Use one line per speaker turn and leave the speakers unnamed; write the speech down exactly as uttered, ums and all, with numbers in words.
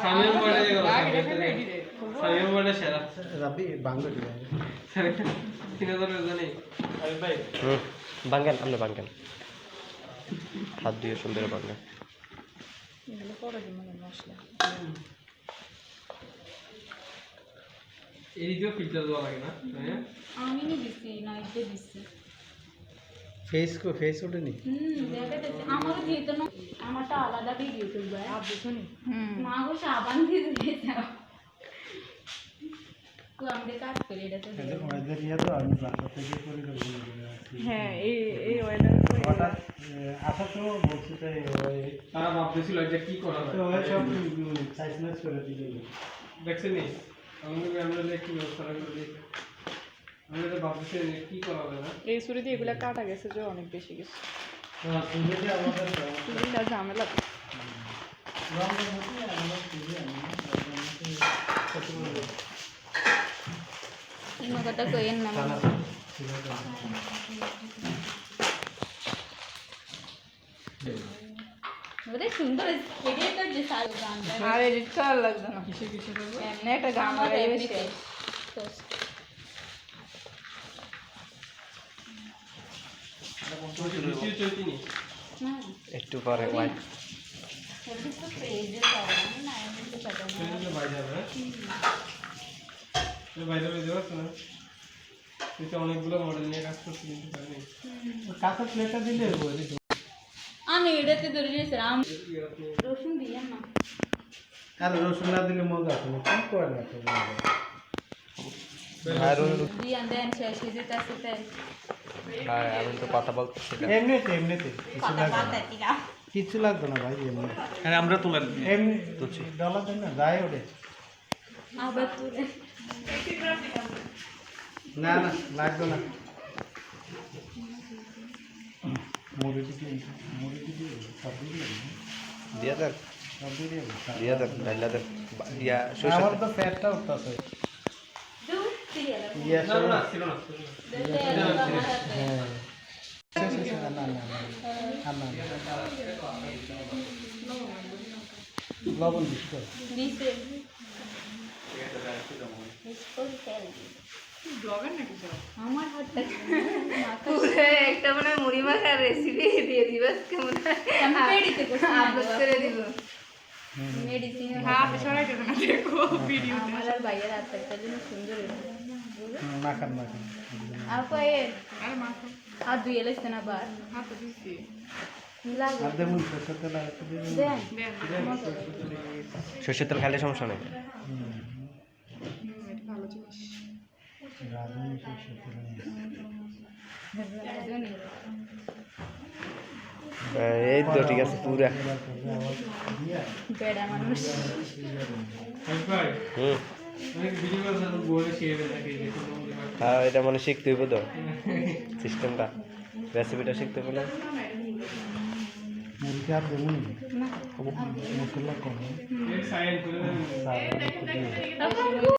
সামিম বলে গেল সামিম বলে সেরা
রাবি বাংলা দিবে
তিন হাজার জানি আরে ভাই
হুম বাঙ্গাল আমরা বাঙ্গাল হাত দিয়ে সুন্দর বাঙ্গাল
এগুলো পরে দিব মশলা
এই যে ফিল্টার দেওয়া লাগে না হ্যাঁ
আমি নি দিছি নাইটে দিছি
ফেস কো ফেস ওঠেনি
হুম দেখাতে আমারও দিত না আমারটা আলাদা ভিডিও করবে আপ বুঝুনি হুম না গো সাবান দিয়ে দিয়েছে তো আমাদের কাজ করে এটা তো
ওদের ইয়া তো আমি বাসা থেকে করে করে
হ্যাঁ এই এই ওয়েদার
হঠাৎ আসার সময় বলছি যে ওই
তারা ভাবতেছিল যে কি করা
তো
যায়
ওই সব সাইজ ম্যাচ করে দিলে
দেখছেন নি আমাদের আমরা একটু ব্যবস্থা করে দিই আমরা তো ভাবতেছি কি করা যায় না
এই ছুরি দিয়ে এগুলা কাটা গেছে যে অনেক বেশি গেছে
হ্যাঁ তুমি যে আমাদের
ছুরিটা ঝামেলা
রঙের মধ্যে আমরা তুলি আমি
এই কথা কইেন না ওরে সুন্দর এডিট তো যে সাল গান আর এডিট করা লাগবে না
কিসে কিসে করব
এমনি একটা গান লাগাই বেশি
কিছু চলতি নি
না
একটু পরে হোয়াইট
এডিট তো পেজে করে না এমনি তো কথা না
সেটা বাইরে যাবে তো বাইরে বাইরে যাবে না এটা অনেকগুলো মডেল নিয়ে কাজ করতে কিন্তু পারেনি
কাঁচা প্লেটটা দিলে হবে
আমি এটাতে ধরে নিয়েছিলাম রসুন দিয়ে না
আর রসুন না দিলে মজা আসে না কি করে না তো
আর
দিয়ে দেন শেষ হয়ে যেতে আসতে
আর আমি তো কথা বলতেছি না
এমনিতে এমনিতে কিছু
কথা
লাগবে
পাতা
না
দিলাম
কিছু লাগবে না ভাই এমনি
আরে আমরা তুলে
এমনি ডলার দেন না যায় ওরে
আবার তুলে
না না লাগবে না মুড়ি দিয়ে মুড়ি দিয়ে সব দিয়ে
দিয়া দেন
সব দিয়ে
দিয়া দেন ডাইলা দেন ইয়া
আমার
সরষে
তো পেটটা উঠতেছে
দুধ সিরিয়াল
ইয়া
না না ছিল না
হ্যাঁ না না না না লবণ দিস তো
দিছে স্কুল তেল ব্লগার নাকি আমার হাতটা
পুরো একটা মানে মুড়ি মাখার রেসিপি দিয়ে দিবা কেমন
আমি পেডিতে
আপলোড করে দিব
মেডিসিন
হ্যাঁ আপনি সরাই দেবেন না দেখো ভিডিও
আমার আর ভাইয়ের হাতটা যেন সুন্দর
মাখান মাখান
আর কয়ে
আর মাখো
হাত ধুয়ে লেছে না বার
হাত দিছি
লাগে
আর দেবুন সরষের তেল আর একটু দিয়ে দিন।
দেন
সরষের তেল খাইলে সমস্যা নেই
হুম,
এটা ভালো জিনিস
রাঁধুনি সরষের তেল নিয়ে।
এই তো ঠিক আছে পুরা
এবার করবে আবার দিয়া।
বেড়া মানুষ
ভাই
হুম
অনেক ভিডিও করে সাথে বলে শিখে নাকি দেখুন
হ্যাঁ এটা মানে শিখতে হইব তো সিস্টেমটা রেসিপিটা শিখতে হলে
মুরগি আর দেবুন
না
মশলা কম
এক সাইড করে
সাদা একটু দিয়ে।